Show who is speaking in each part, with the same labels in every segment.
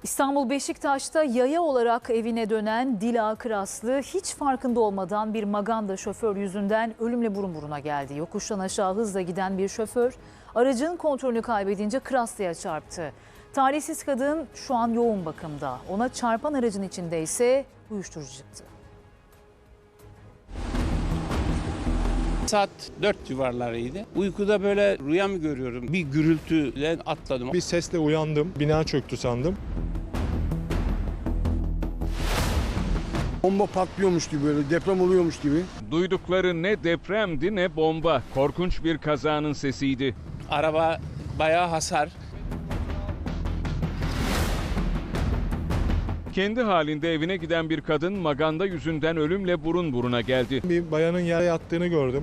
Speaker 1: İstanbul Beşiktaş'ta yaya olarak evine dönen Dila Kıraslı hiç farkında olmadan bir maganda şoför yüzünden ölümle burun buruna geldi. Yokuştan aşağı hızla giden bir şoför aracın kontrolünü kaybedince Kıraslı'ya çarptı. Talihsiz kadın şu an yoğun bakımda. Ona çarpan aracın içinde ise uyuşturucu çıktı.
Speaker 2: Saat 4 civarlarıydı. Uykuda böyle rüya mı görüyorum? Bir gürültüyle atladım.
Speaker 3: Bir sesle uyandım. Bina çöktü sandım.
Speaker 4: Bomba patlıyormuş gibi, böyle deprem oluyormuş gibi.
Speaker 5: Duydukları ne depremdi ne bomba. Korkunç bir kazanın sesiydi.
Speaker 2: Araba bayağı hasar.
Speaker 5: Kendi halinde evine giden bir kadın maganda yüzünden ölümle burun buruna geldi.
Speaker 3: Bir bayanın yere yattığını gördüm.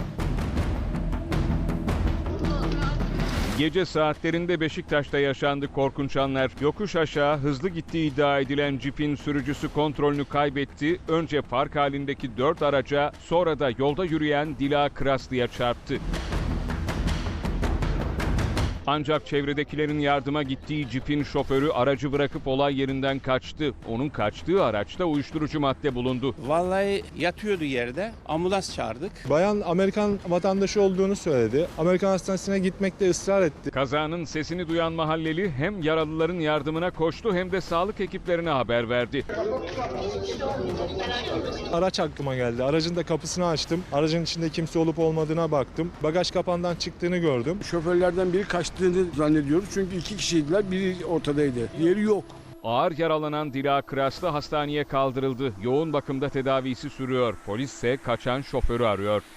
Speaker 5: Gece saatlerinde Beşiktaş'ta yaşandı korkunç anlar. Yokuş aşağı hızlı gittiği iddia edilen cipin sürücüsü kontrolünü kaybetti. Önce park halindeki 4 araca, sonra da yolda yürüyen Dila Kıraslı'ya çarptı. Ancak çevredekilerin yardıma gittiği cipin şoförü aracı bırakıp olay yerinden kaçtı. Onun kaçtığı araçta uyuşturucu madde bulundu.
Speaker 2: Vallahi yatıyordu yerde. Ambulans çağırdık.
Speaker 3: Bayan Amerikan vatandaşı olduğunu söyledi. Amerikan hastanesine gitmekte ısrar etti.
Speaker 5: Kazanın sesini duyan mahalleli hem yaralıların yardımına koştu hem de sağlık ekiplerine haber verdi.
Speaker 3: Araç aklıma geldi. Aracın da kapısını açtım. Aracın içinde kimse olup olmadığına baktım. Bagaj kapağından çıktığını gördüm.
Speaker 4: Şoförlerden biri kaçtığını zannediyoruz. Çünkü 2 kişiydiler, biri ortadaydı. Diğeri yok.
Speaker 5: Ağır yaralanan Dila Kıraslı hastaneye kaldırıldı. Yoğun bakımda tedavisi sürüyor. Polis ise kaçan şoförü arıyor.